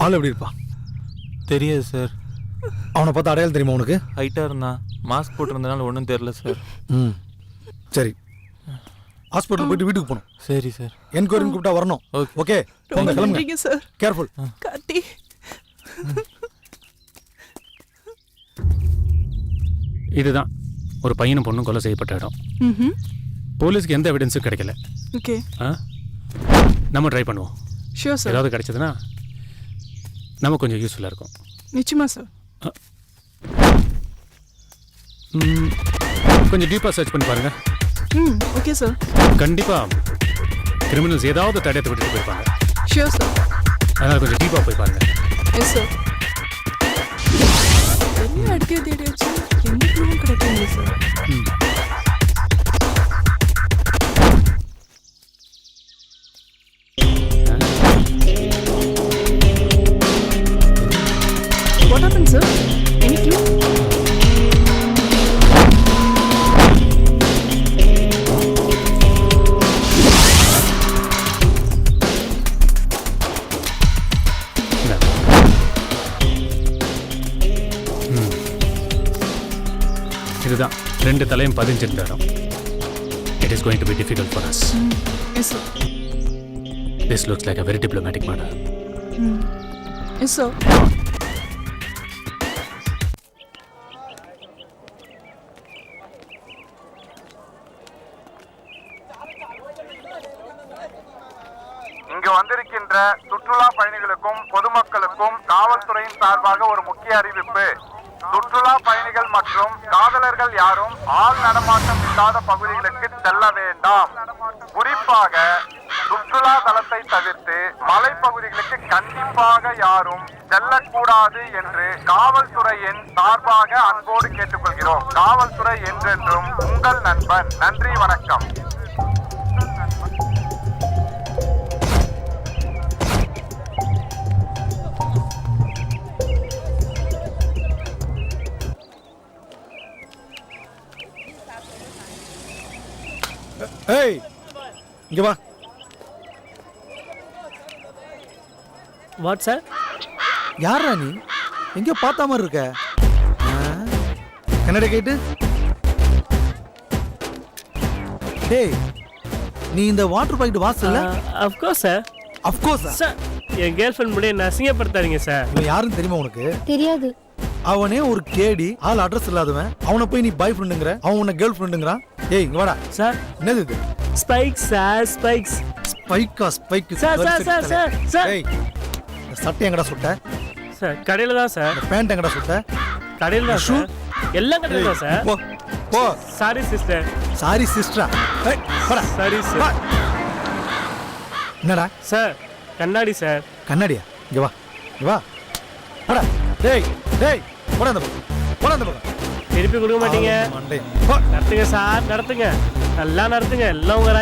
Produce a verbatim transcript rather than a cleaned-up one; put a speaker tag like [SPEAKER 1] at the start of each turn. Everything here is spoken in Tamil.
[SPEAKER 1] ஆள் எப்படி இருப்பான்?
[SPEAKER 2] தெரியாது சார்.
[SPEAKER 1] அவனை பார்த்தா அடையாளம் தெரியுமா உனக்கு?
[SPEAKER 2] ஹைட்டாக இருந்தான், மாஸ்க் போட்டிருந்தனால ஒன்றும் தெரில சார்.
[SPEAKER 1] ம் சரி, ஹாஸ்பிட்டல் போயிட்டு வீட்டுக்கு போகணும்.
[SPEAKER 2] சரி சார்.
[SPEAKER 1] என்கொயரின்னு கூப்பிட்டா வரணும். ஓகே போங்க, கிளம்புங்க சார். கேர்ஃபுல்.
[SPEAKER 3] கார்த்தி.
[SPEAKER 4] இதுதான் ஒரு பையனும் பொண்ணும் கொலை செய்யப்பட்ட இடம்.
[SPEAKER 3] ம்.
[SPEAKER 4] போலீஸ்க்கு எந்த எவிடன்ஸும் கிடைக்கல.
[SPEAKER 3] ஓகே.
[SPEAKER 4] ஆ நம்ம ட்ரை பண்ணுவோம்.
[SPEAKER 3] Sure sir.
[SPEAKER 4] ஏதாவது கிடைச்சதுன்னா நமக்கு கொஞ்சம் யூஸ்ஃபுல்லாக இருக்கும்.
[SPEAKER 3] நிச்சயமா சார்.
[SPEAKER 4] ம், கொஞ்சம் டீப்பாக சர்ச் பண்ணி பாருங்க.
[SPEAKER 3] ம் ஓகே சார்.
[SPEAKER 4] கண்டிப்பாக கிரிமினல்ஸ் ஏதாவது தடயத்தை விட்டுட்டு போயிருப்பாங்க.
[SPEAKER 3] Sure sir.
[SPEAKER 4] அதனால் கொஞ்சம் டீப்பாக போய் பாருங்க.
[SPEAKER 3] Yes sir. என்ன அடிக்க தேடியாச்சு, எந்த க்ளூவும் கிடைக்கல சார்.
[SPEAKER 4] ம்
[SPEAKER 3] What happened, sir? Any clue?
[SPEAKER 4] இதுதான் ரெண்டு தலையும் பதிஞ்சிருந்த இடம். It is going to be difficult for us.
[SPEAKER 3] Mm. Yes, sir.
[SPEAKER 4] This looks like a very diplomatic matter.
[SPEAKER 3] Mm. Yes, sir.
[SPEAKER 5] இங்கு வந்திருக்கின்ற சுற்றுலா பயணிகளுக்கும் பொதுமக்களுக்கும் காவல்துறையின் சார்பாக ஒரு முக்கிய அறிவிப்பு. சுற்றுலா பயணிகள் மற்றும் காதலர்கள் யாரும் ஆள் நடமாட்டம் இல்லாத பகுதிகளுக்கு செல்ல வேண்டாம். குறிப்பாக சுற்றுலா தலத்தை தவிர்த்து மலைப்பகுதிகளுக்கு கண்டிப்பாக யாரும் செல்லக்கூடாது என்று காவல்துறையின் சார்பாக அன்போடு கேட்டுக்கொள்கிறோம். காவல்துறை என்றென்றும் உங்கள் நண்பன். நன்றி, வணக்கம்.
[SPEAKER 1] ஏய் இங்க வா.
[SPEAKER 6] What sir?
[SPEAKER 1] யாரா நீ? எங்கேயோ பார்த்த மாதிரி இருக்க. கன்னட கேட்டு. டேய், நீ இந்த வாட்டர் பாக்கெட் வாசல்ல?
[SPEAKER 6] Of course sir.
[SPEAKER 1] Of course
[SPEAKER 6] sir. என் கேர்ள் ஃப்ரெண்ட் முடிய என்ன அசிங்கப்படுத்தாதீங்க சார்.
[SPEAKER 1] இவன் யாருன்னு தெரியுமா உனக்கு?
[SPEAKER 7] தெரியாது.
[SPEAKER 1] அவனே ஒரு கேடி, ஆள் அட்ரஸ் இல்லாதவன். அவனை போய் நீ பாய் ஃப்ரெண்டுங்கற, அவன் உன்னை கேர்ள் ஃப்ரெண்டுங்கறான். ஏய் இங்க வாடா.
[SPEAKER 6] சார்
[SPEAKER 1] என்னது இது?
[SPEAKER 6] Spikes sir, spikes.
[SPEAKER 1] ஸ்பைக்கா? Spike
[SPEAKER 6] sir sir sir sir sir.
[SPEAKER 1] ஏய் இந்த சட்டை எங்கடா சுட்ட?
[SPEAKER 6] சார் கடையில தான் சார்.
[SPEAKER 1] இந்த பேண்ட் எங்கடா சுட்ட?
[SPEAKER 6] கடையில தான் சார். எல்லாம் கடையில தான் சார்.
[SPEAKER 1] போ போ.
[SPEAKER 6] Sorry sister.
[SPEAKER 1] சாரி சிஸ்டரா? ஏய் போடா.
[SPEAKER 6] Sorry sir.
[SPEAKER 1] என்னடா?
[SPEAKER 6] சார் கண்ணாடி சார்.
[SPEAKER 1] கண்ணாடியா? இங்க வா, இங்க வா. போடா. டேய் டேய் போடா அந்த பக்கம். போடா அந்த பக்கம்.
[SPEAKER 6] திருப்பி கொடுக்க மாட்டீங்க. நடத்துங்க சார், நடத்துங்க. நல்லா நடத்துங்க. எல்லாம் உங்க